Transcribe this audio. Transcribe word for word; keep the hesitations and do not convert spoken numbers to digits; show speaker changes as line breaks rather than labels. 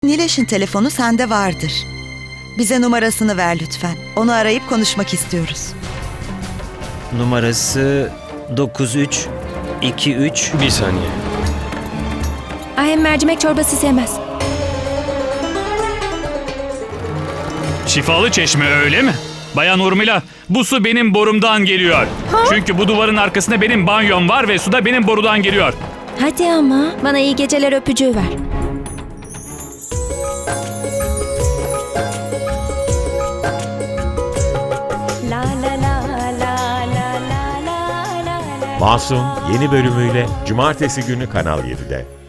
Nileş'in telefonu sende vardır. Bize numarasını ver lütfen. Onu arayıp konuşmak istiyoruz.
Numarası dokuz üç iki üç.
Bir saniye.
Ahem mercimek çorbası sevmez.
Şifalı çeşme öyle mi? Bayan Urmila, bu su benim borumdan geliyor. Çünkü bu duvarın arkasında benim banyom var ve su da benim borudan geliyor.
Hadi ama bana iyi geceler öpücüğü ver.
Masum yeni bölümüyle Cumartesi günü Kanal yedide.